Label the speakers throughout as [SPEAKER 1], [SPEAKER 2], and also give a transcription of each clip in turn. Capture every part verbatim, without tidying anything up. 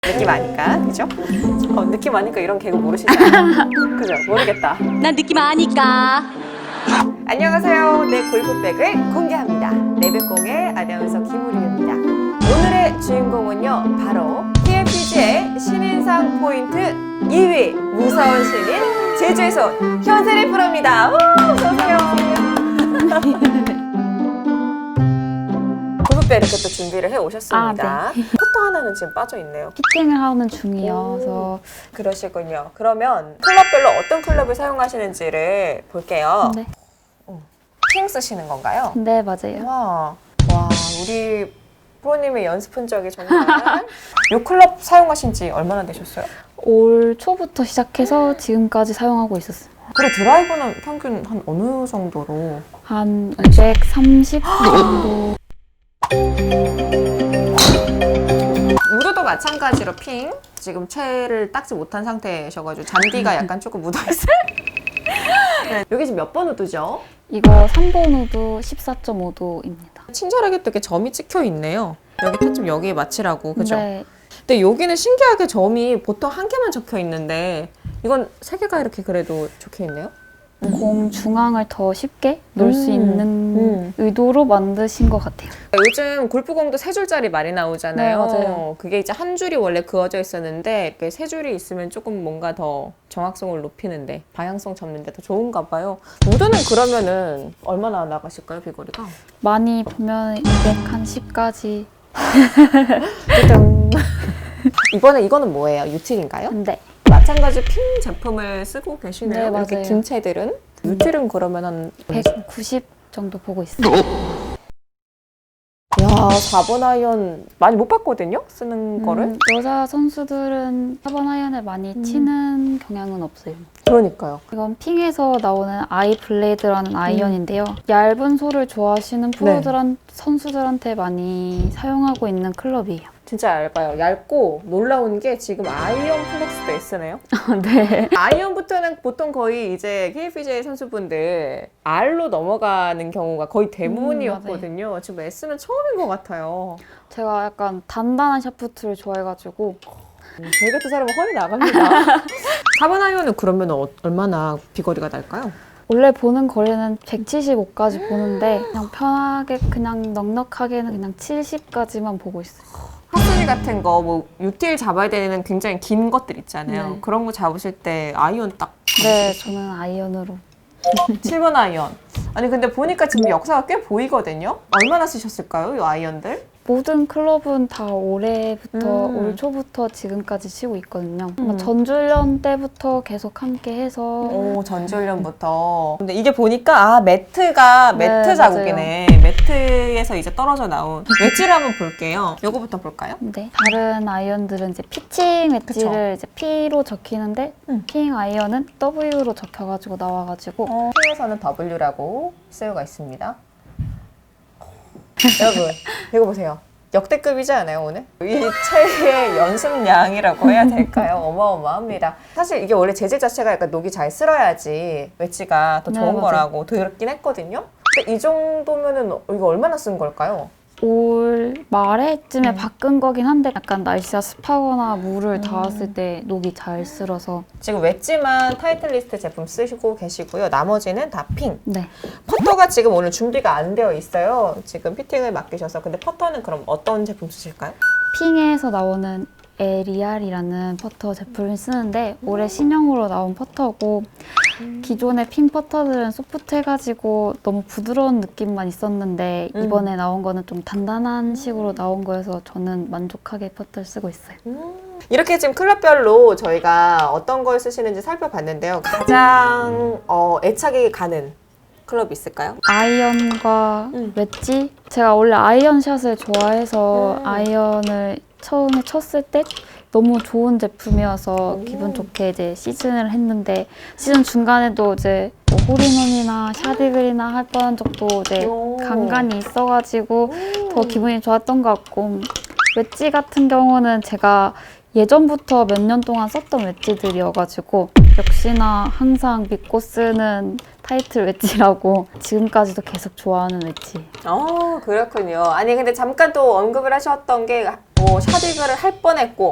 [SPEAKER 1] 느낌 아니까, 그죠? 어, 느낌 아니까 이런 개그 모르시잖아요. 그죠? 모르겠다.
[SPEAKER 2] 난 느낌 아니까.
[SPEAKER 1] 안녕하세요. 내 골프백을 공개합니다. 레벨공의 아나운서 김우림입니다. 오늘의 주인공은요, 바로 티엘피지의 신인상 포인트 이 위 무서운 신인 제주에서 온 현세리 프로입니다. 우! 어서오세요. 골프백 이렇게 또 준비를 해 오셨습니다.
[SPEAKER 2] 아, 네.
[SPEAKER 1] 포터 하나는 지금 빠져 있네요.
[SPEAKER 2] 피팅을 하는 중이어서.
[SPEAKER 1] 그러시군요. 그러면 클럽별로 어떤 클럽을 사용하시는지를 볼게요.
[SPEAKER 2] 네.
[SPEAKER 1] 핑 쓰시는 건가요?
[SPEAKER 2] 네, 맞아요.
[SPEAKER 1] 와, 와, 우리 프로님의 연습 흔적이 정말. 이 클럽 사용하신 지 얼마나 되셨어요?
[SPEAKER 2] 올 초부터 시작해서 지금까지 사용하고 있었어요.
[SPEAKER 1] 그래, 드라이버는 평균 한 어느 정도로?
[SPEAKER 2] 한 이백삼십 정도.
[SPEAKER 1] 우드도 마찬가지로 핑. 지금 채를 닦지 못한 상태셔가지고 잔디가 약간 조금 묻어있어요. 네, 여기 지금 몇 번 우드죠?
[SPEAKER 2] 이거 삼 번 우드 십사 점 오 도입니다.
[SPEAKER 1] 친절하게 또 이렇게 점이 찍혀 있네요. 여기 타점 여기에 맞추라고, 그죠?
[SPEAKER 2] 네.
[SPEAKER 1] 근데 여기는 신기하게 점이 보통 한 개만 적혀 있는데 이건 세 개가 이렇게 그래도 적혀 있네요.
[SPEAKER 2] 공 중앙을 더 쉽게 놓을 수
[SPEAKER 1] 음.
[SPEAKER 2] 있는
[SPEAKER 1] 음.
[SPEAKER 2] 의도로 만드신 것 같아요.
[SPEAKER 1] 요즘 골프공도 세 줄짜리 많이 나오잖아요.
[SPEAKER 2] 네, 맞아요.
[SPEAKER 1] 그게 이제 한 줄이 원래 그어져 있었는데 이렇게 세 줄이 있으면 조금 뭔가 더 정확성을 높이는데 방향성 잡는데 더 좋은가 봐요. 우드는 그러면은 얼마나 나가실까요, 비거리가?
[SPEAKER 2] 많이 보면 이백십까지.
[SPEAKER 1] 이번에 이거는 뭐예요? 유틸인가요?
[SPEAKER 2] 네.
[SPEAKER 1] 마찬가지 핑 제품을 쓰고 계시네요.
[SPEAKER 2] 네,
[SPEAKER 1] 이렇게
[SPEAKER 2] 맞아요.
[SPEAKER 1] 긴 채들은? 유틸은 그러면 한
[SPEAKER 2] 백구십 정도 보고 있어요.
[SPEAKER 1] 야, 사 번 아이언 많이 못 봤거든요? 쓰는 거를?
[SPEAKER 2] 음, 여자 선수들은 사 번 아이언을 많이
[SPEAKER 1] 음.
[SPEAKER 2] 치는 경향은 없어요.
[SPEAKER 1] 그러니까요.
[SPEAKER 2] 이건 핑에서 나오는 아이 블레이드라는 아이언인데요. 얇은 솔을 좋아하시는 프로들한 선수들한테 많이 사용하고 있는 클럽이에요.
[SPEAKER 1] 진짜 얇아요. 얇고 놀라운 게 지금 아이언 플렉스도 S네요.
[SPEAKER 2] 네.
[SPEAKER 1] 아이언부터는 보통 거의 이제 케이피지에이 선수분들 R로 넘어가는 경우가 거의 대부분이었거든요.
[SPEAKER 2] 음,
[SPEAKER 1] 지금 S는 처음인 것 같아요.
[SPEAKER 2] 제가 약간 단단한 샤프트를 좋아해가지고
[SPEAKER 1] 저희 같은 사람은 허리 나갑니다. 사 번 아이언은 그러면 어, 얼마나 비거리가 날까요?
[SPEAKER 2] 원래 보는 거리는 백칠십오까지 보는데 그냥 편하게 그냥 넉넉하게는 그냥 칠십까지만 보고 있어요.
[SPEAKER 1] 핫소리 같은 거, 뭐 유틸 잡아야 되는 굉장히 긴 것들 있잖아요.
[SPEAKER 2] 네.
[SPEAKER 1] 그런 거 잡으실 때 아이언 딱
[SPEAKER 2] 네, 저는 아이언으로.
[SPEAKER 1] 칠 번 아이언. 아니 근데 보니까 지금 역사가 꽤 보이거든요. 얼마나 쓰셨을까요, 이 아이언들?
[SPEAKER 2] 모든 클럽은 다 올해부터
[SPEAKER 1] 음.
[SPEAKER 2] 올 초부터 지금까지 치고 있거든요.
[SPEAKER 1] 음.
[SPEAKER 2] 아마 전주련 때부터 계속 함께 해서
[SPEAKER 1] 오, 전지훈련부터. 근데 이게 보니까 아 매트가
[SPEAKER 2] 네,
[SPEAKER 1] 매트 자국이네. 매트에서 이제 떨어져 나온 웨지를 한번 볼게요. 요거부터 볼까요?
[SPEAKER 2] 네. 다른 아이언들은 이제 피칭 웨지를
[SPEAKER 1] 그쵸.
[SPEAKER 2] 이제 P로 적히는데
[SPEAKER 1] 음.
[SPEAKER 2] 핑 아이언은 W로 적혀가지고 나와가지고
[SPEAKER 1] 어, P에서는 W라고 쓰여가 있습니다. 여러분, 이거 보세요. 역대급이지 않아요, 오늘? 이 채의 연습량이라고 해야 될까요? 어마어마합니다. 사실 이게 원래 재질 자체가 약간 녹이 잘 쓸어야지 웨지가 더
[SPEAKER 2] 네,
[SPEAKER 1] 좋은
[SPEAKER 2] 맞아요.
[SPEAKER 1] 거라고 들었긴 했거든요. 근데 이 정도면은 이거 얼마나 쓴 걸까요?
[SPEAKER 2] 올 말에쯤에
[SPEAKER 1] 음.
[SPEAKER 2] 바꾼 거긴 한데 약간 날씨가 습하거나 물을
[SPEAKER 1] 음.
[SPEAKER 2] 닿았을 때 녹이 잘 쓸어서
[SPEAKER 1] 지금 웨지만 타이틀리스트 제품 쓰시고 계시고요. 나머지는 다 핑.
[SPEAKER 2] 네.
[SPEAKER 1] 퍼터가 지금 오늘 준비가 안 되어 있어요. 지금 피팅을 맡기셔서. 근데 퍼터는 그럼 어떤 제품 쓰실까요?
[SPEAKER 2] 핑에서 나오는 에리알이라는 퍼터 제품을 쓰는데 올해 신형으로 나온 퍼터고 기존의 핑 퍼터들은 소프트해가지고 너무 부드러운 느낌만 있었는데
[SPEAKER 1] 음.
[SPEAKER 2] 이번에 나온 거는 좀 단단한 식으로 나온 거여서 저는 만족하게 퍼터를 쓰고 있어요.
[SPEAKER 1] 이렇게 지금 클럽별로 저희가 어떤 걸 쓰시는지 살펴봤는데요. 가장 어, 애착이 가는 클럽이 있을까요?
[SPEAKER 2] 아이언과
[SPEAKER 1] 음.
[SPEAKER 2] 웨지? 제가 원래 아이언샷을 좋아해서
[SPEAKER 1] 음.
[SPEAKER 2] 아이언을 처음에 쳤을 때 너무 좋은 제품이어서
[SPEAKER 1] 오.
[SPEAKER 2] 기분 좋게 이제 시즌을 했는데 시즌 중간에도 이제 뭐 홀인원이나 샤디글이나 할 뻔한 적도 이제
[SPEAKER 1] 오.
[SPEAKER 2] 간간이 있어가지고
[SPEAKER 1] 음.
[SPEAKER 2] 더 기분이 좋았던 것 같고 웨지 같은 경우는 제가 예전부터 몇 년 동안 썼던 웨지들이어가지고 역시나 항상 믿고 쓰는 타이틀 웨지라고 지금까지도 계속 좋아하는 웨지.
[SPEAKER 1] 어, 그렇군요. 아니 근데 잠깐 또 언급을 하셨던 게 뭐 샤디그를 할 뻔했고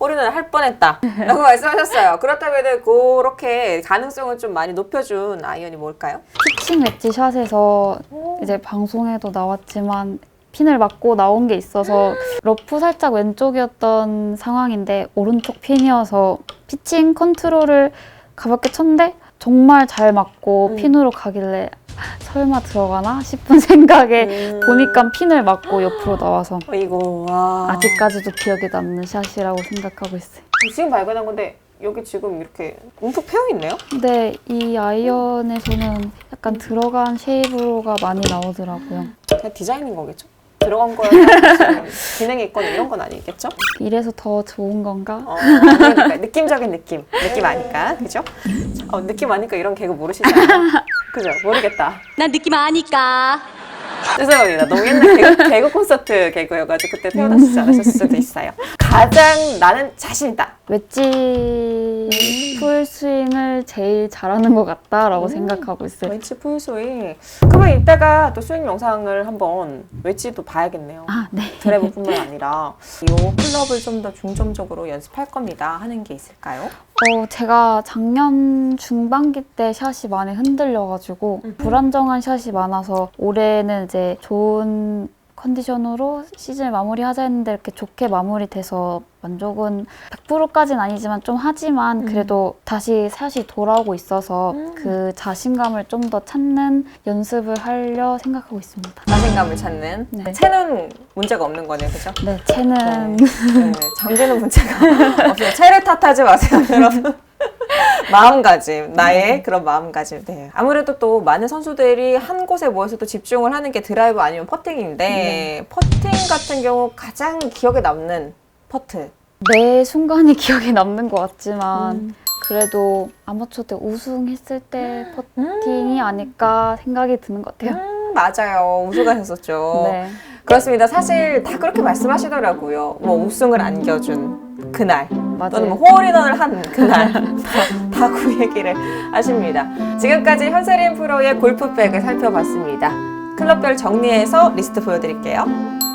[SPEAKER 1] 홀인원을 할 뻔했다 라고 말씀하셨어요. 그렇다면 그렇게 가능성을 좀 많이 높여준 아이언이 뭘까요?
[SPEAKER 2] 피칭 웨지 샷에서 이제 방송에도 나왔지만 핀을 맞고 나온 게 있어서 러프 살짝 왼쪽이었던 상황인데 오른쪽 핀이어서 피칭 컨트롤을 가볍게 쳤는데 정말 잘 맞고
[SPEAKER 1] 음.
[SPEAKER 2] 핀으로 가길래 설마 들어가나 싶은 생각에
[SPEAKER 1] 음.
[SPEAKER 2] 보니까 핀을 맞고 옆으로 나와서
[SPEAKER 1] 이거 와.
[SPEAKER 2] 아직까지도 기억에 남는 샷이라고 생각하고 있어요.
[SPEAKER 1] 지금 발견한 건데 여기 지금 이렇게 움푹 패여 있네요.
[SPEAKER 2] 근데 이 아이언에서는 약간 들어간 쉐이브로가 많이 나오더라고요.
[SPEAKER 1] 그냥 디자인인 거겠죠? 들어간 거야 무슨 진행이 있거나 이런 건 아니겠죠?
[SPEAKER 2] 이래서 더 좋은 건가?
[SPEAKER 1] 어, 그러니까 느낌적인 느낌, 느낌 아니까, 그죠? 어, 느낌 아니까 이런 개그 모르시잖아요. 그죠? 모르겠다.
[SPEAKER 3] 난 느낌 아니까.
[SPEAKER 1] 죄송합니다. 너무 옛날 개그, 개그 콘서트 개그여가지고 그때 태어나시지 않으셨을 수도 있어요. 가장 나는 자신있다.
[SPEAKER 2] 웨지 풀스윙을 제일 잘하는 것 같다라고
[SPEAKER 1] 음.
[SPEAKER 2] 생각하고 있어요.
[SPEAKER 1] 웨지 풀스윙. 그러면 이따가 또 스윙 영상을 한번 웨지도 봐야겠네요.
[SPEAKER 2] 아, 네.
[SPEAKER 1] 드래버뿐만 아니라 이 클럽을 좀 더 중점적으로 연습할 겁니다 하는 게 있을까요?
[SPEAKER 2] 어, 제가 작년 중반기 때 샷이 많이 흔들려가지고
[SPEAKER 1] 음.
[SPEAKER 2] 불안정한 샷이 많아서 올해는 이제 좋은 컨디션으로 시즌을 마무리하자 했는데 이렇게 좋게 마무리돼서 만족은 백 퍼센트까지는 아니지만 좀 하지만 그래도 다시 샷이 돌아오고 있어서
[SPEAKER 1] 음.
[SPEAKER 2] 그 자신감을 좀 더 찾는 연습을 하려 생각하고 있습니다.
[SPEAKER 1] 자신감을 찾는.
[SPEAKER 2] 네.
[SPEAKER 1] 채는 문제가 없는 거네요, 그죠?
[SPEAKER 2] 네, 채는
[SPEAKER 1] 네, 장비는 문제가 없어요. 채를 탓하지 마세요, 여러분. 마음가짐, 나의 그런 마음가짐. 네. 아무래도 또 많은 선수들이 한 곳에 모여서 또 집중을 하는 게 드라이브 아니면 퍼팅인데
[SPEAKER 2] 네.
[SPEAKER 1] 퍼팅 같은 경우 가장 기억에 남는 퍼트.
[SPEAKER 2] 매 순간이 기억에 남는 것 같지만
[SPEAKER 1] 음.
[SPEAKER 2] 그래도 아마추어 때 우승했을 때
[SPEAKER 1] 음.
[SPEAKER 2] 퍼팅이 아닐까 생각이 드는 것 같아요.
[SPEAKER 1] 음, 맞아요. 우승하셨었죠.
[SPEAKER 2] 네.
[SPEAKER 1] 그렇습니다. 사실 다 그렇게 말씀하시더라고요. 뭐 우승을 안겨준 그날.
[SPEAKER 2] 맞아요.
[SPEAKER 1] 또는 뭐 홀인원을 한 그날 다, 다 그 얘기를 하십니다. 지금까지 현세린 프로의 골프백을 살펴봤습니다. 클럽별 정리해서 리스트 보여드릴게요.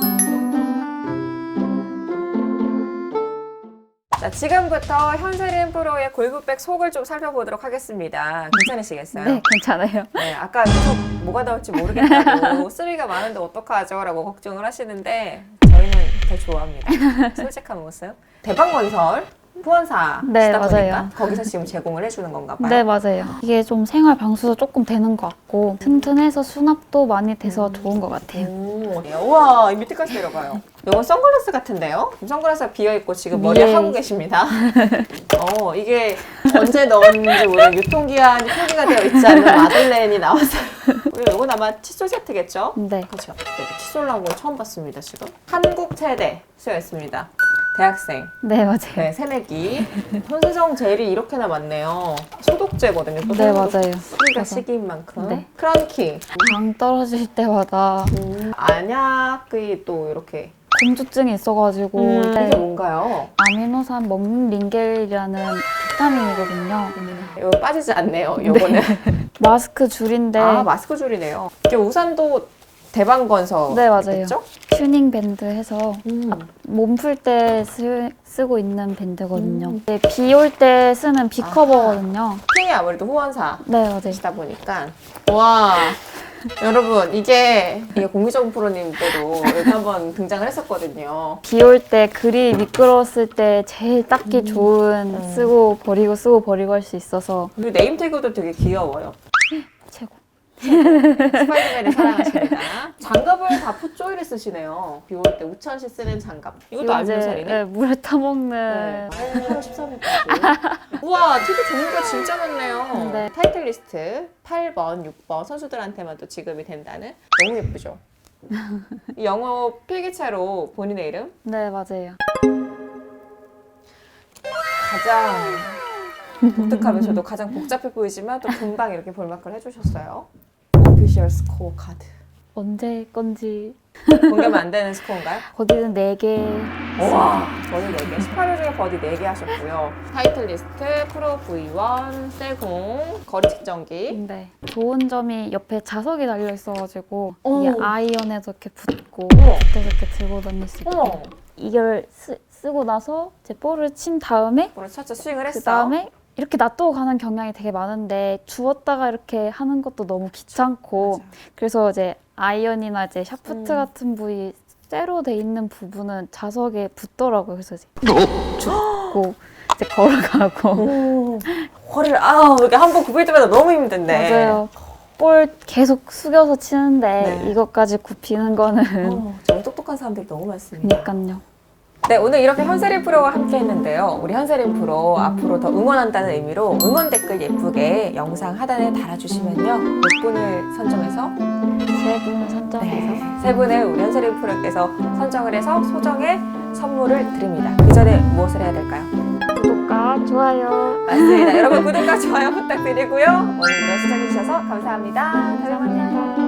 [SPEAKER 1] 자, 지금부터 현세린 프로의 골프백 속을 좀 살펴보도록 하겠습니다. 괜찮으시겠어요?
[SPEAKER 2] 네, 괜찮아요.
[SPEAKER 1] 네, 아까 계속 뭐가 나올지 모르겠다고 쓰리가 많은데 어떡하죠? 라고 걱정을 하시는데 저희는 더 좋아합니다. 솔직한 모습. 대방건설 후원사
[SPEAKER 2] 네,
[SPEAKER 1] 시다 보니까
[SPEAKER 2] 맞아요.
[SPEAKER 1] 거기서 지금 제공을 해주는 건가 봐요.
[SPEAKER 2] 네, 맞아요. 이게 좀 생활 방수도 조금 되는 것 같고 튼튼해서 수납도 많이 돼서 좋은 것 같아요.
[SPEAKER 1] 오, 네. 우와, 이 밑에까지 내려가요. 이건 선글라스 같은데요? 선글라스가 비어있고 지금 머리에
[SPEAKER 2] 예.
[SPEAKER 1] 하고 계십니다. 어, 이게 언제 넣었는지 모르는 유통기한이 표기가 되어 있지 않은 마들렌이 나왔어요. 이건 아마 칫솔 세트겠죠?
[SPEAKER 2] 네.
[SPEAKER 1] 그렇죠. 네, 칫솔 나온 거 처음 봤습니다, 지금. 한국 세대 쓰여있습니다. 대학생.
[SPEAKER 2] 네, 맞아요.
[SPEAKER 1] 네, 새내기. 손세정 젤이 이렇게나 많네요. 소독제거든요. 또
[SPEAKER 2] 네,
[SPEAKER 1] 소독.
[SPEAKER 2] 맞아요.
[SPEAKER 1] 소리가
[SPEAKER 2] 그래서-
[SPEAKER 1] 시기인 만큼.
[SPEAKER 2] 네.
[SPEAKER 1] 크런키.
[SPEAKER 2] 당 떨어질 때마다
[SPEAKER 1] 음, 안약이 또 이렇게.
[SPEAKER 2] 공주증이 있어가지고
[SPEAKER 1] 음,
[SPEAKER 2] 네.
[SPEAKER 1] 이게 뭔가요?
[SPEAKER 2] 아미노산 먹린겔이라는 비타민이거든요.
[SPEAKER 1] 이거 빠지지 않네요, 요거는.
[SPEAKER 2] 마스크 줄인데
[SPEAKER 1] 아, 마스크 줄이네요. 이게 우산도 대방건설.
[SPEAKER 2] 네, 맞아요.
[SPEAKER 1] 있겠죠?
[SPEAKER 2] 튜닝 밴드 해서
[SPEAKER 1] 음.
[SPEAKER 2] 몸 풀 때 쓰고 있는 밴드거든요.
[SPEAKER 1] 음.
[SPEAKER 2] 비 올 때 쓰는 비 커버거든요.
[SPEAKER 1] 핑이 아무래도 후원사.
[SPEAKER 2] 네, 맞아요.
[SPEAKER 1] 시다 보니까 와 여러분 이게 이게 공기정 프로님 때도 여기 한번 등장을 했었거든요.
[SPEAKER 2] 비 올 때 글이 미끄러웠을 때 제일 닦기 좋은
[SPEAKER 1] 음.
[SPEAKER 2] 쓰고 버리고 쓰고 버리고 할 수 있어서
[SPEAKER 1] 그리고 네임태그도 되게 귀여워요.
[SPEAKER 2] 최고.
[SPEAKER 1] 스파이더맨을 사랑하십니다. 장갑을 다 풋조이를 쓰시네요. 비 올 때 우천 씨 쓰는 장갑. 이것도
[SPEAKER 2] 이거
[SPEAKER 1] 알루미늄이네.
[SPEAKER 2] 네, 물에 타먹는
[SPEAKER 1] 네. 팔월 십삼일까지. 우와, 티도 종류가 진짜 많네요.
[SPEAKER 2] 네.
[SPEAKER 1] 타이틀 리스트 팔 번, 육 번 선수들한테만 또 지급이 된다는. 너무 예쁘죠? 이 영어 필기체로 본인의 이름
[SPEAKER 2] 네, 맞아요.
[SPEAKER 1] 가장 독특하면서도 가장 복잡해 보이지만 또 금방 이렇게 볼마크를 해주셨어요. 오피셜 스코어 카드.
[SPEAKER 2] 언제 건지
[SPEAKER 1] 공개하면 안 되는 스코어인가요?
[SPEAKER 2] 거기는 네 개.
[SPEAKER 1] 와, 저는 네 개. 십팔 회 중에 버디 네 개 하셨고요. 타이틀 리스트, 프로 브이 원, 셀공, 거리 측정기.
[SPEAKER 2] 네. 좋은 점이 옆에 자석이 달려 있어가지고
[SPEAKER 1] 오.
[SPEAKER 2] 이게 아이언에도 이렇게 붙고
[SPEAKER 1] 어머.
[SPEAKER 2] 붙어서 이렇게 들고 다닐 수 있고
[SPEAKER 1] 어머.
[SPEAKER 2] 이걸 쓰, 쓰고 나서 이제 볼을 친 다음에
[SPEAKER 1] 볼을 쳤죠. 스윙을 했어.
[SPEAKER 2] 그 다음에 이렇게 놔두고 가는 경향이 되게 많은데 주웠다가 이렇게 하는 것도 너무 귀찮고
[SPEAKER 1] 맞아.
[SPEAKER 2] 그래서 이제 아이언이나 이제 샤프트
[SPEAKER 1] 음.
[SPEAKER 2] 같은 부위 쇠로 돼 있는 부분은 자석에 붙더라고요. 그래서 이제 줍고 이제 걸어가고
[SPEAKER 1] 오, 허리를 아우 이렇게 한 번 굽힐 때마다 너무 힘든데.
[SPEAKER 2] 맞아요. 볼 계속 숙여서 치는데
[SPEAKER 1] 네.
[SPEAKER 2] 이것까지 굽히는 거는
[SPEAKER 1] 어, 정말 똑똑한 사람들이 너무 많습니다.
[SPEAKER 2] 그러니까요.
[SPEAKER 1] 네, 오늘 이렇게 현세린 프로와 함께 했는데요. 우리 현세린 프로 앞으로 더 응원한다는 의미로 응원 댓글 예쁘게 영상 하단에 달아주시면요. 몇 분을 선정해서
[SPEAKER 2] 세 분 선정해서
[SPEAKER 1] 네, 세 분을 우리 현세린 프로께서 선정을 해서 소정의 선물을 드립니다. 그 전에 무엇을 해야 될까요?
[SPEAKER 2] 구독과 좋아요
[SPEAKER 1] 맞습니다. 여러분 구독과 좋아요 부탁드리고요. 오늘도 시청해주셔서 감사합니다. 다음에 만나요.
[SPEAKER 2] 감사합니다.